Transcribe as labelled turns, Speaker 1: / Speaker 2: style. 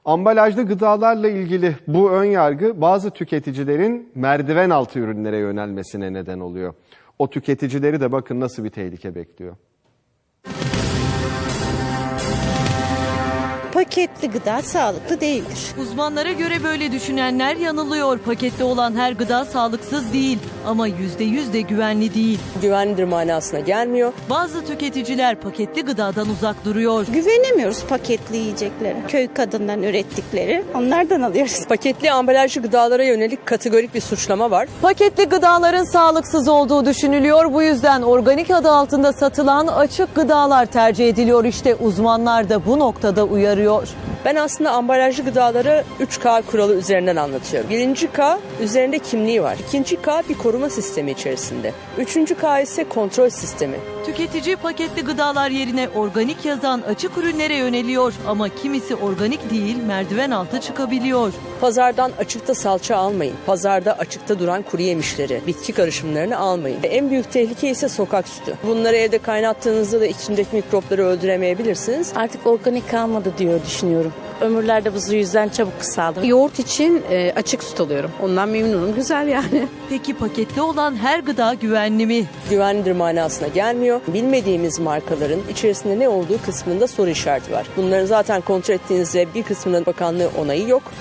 Speaker 1: Ambalajlı gıdalarla ilgili bu önyargı bazı tüketicilerin merdiven altı ürünlere yönelmesine neden oluyor. O tüketicileri de bakın nasıl bir tehlike bekliyor.
Speaker 2: Paketli gıda sağlıklı değildir.
Speaker 3: Uzmanlara göre böyle düşünenler yanılıyor. Paketli olan her gıda sağlıksız değil ama %100 de güvenli değil.
Speaker 4: Güvenlidir manasına gelmiyor.
Speaker 3: Bazı tüketiciler paketli gıdadan uzak duruyor.
Speaker 2: Güvenemiyoruz paketli yiyeceklere. Köy kadından ürettikleri onlardan alıyoruz.
Speaker 4: Paketli ambalajlı gıdalara yönelik kategorik bir suçlama var.
Speaker 3: Paketli gıdaların sağlıksız olduğu düşünülüyor. Bu yüzden organik adı altında satılan açık gıdalar tercih ediliyor. İşte uzmanlar da bu noktada uyarıyor.
Speaker 4: Ben aslında ambalajlı gıdaları 3K kuralı üzerinden anlatıyorum. Birinci K üzerinde kimliği var. İkinci K bir koruma sistemi içerisinde. Üçüncü K ise kontrol sistemi.
Speaker 3: Tüketici paketli gıdalar yerine organik yazan açık ürünlere yöneliyor. Ama kimisi organik değil, merdiven altı çıkabiliyor.
Speaker 4: Pazardan açıkta salça almayın. Pazarda açıkta duran kuru yemişleri, bitki karışımlarını almayın. En büyük tehlike ise sokak sütü. Bunları evde kaynattığınızda da içindeki mikropları öldüremeyebilirsiniz.
Speaker 5: Artık organik kalmadı diyor düşünüyorum. Ömürler de bu yüzden çabuk kısaldı.
Speaker 6: Yoğurt için açık süt alıyorum. Ondan memnunum. Güzel yani.
Speaker 3: Peki paketli olan her gıda güvenli mi?
Speaker 4: Güvenlidir manasına gelmiyor. Bilmediğimiz markaların içerisinde ne olduğu kısmında soru işareti var. Bunları zaten kontrol ettiğinizde bir kısmının bakanlığı onayı yok.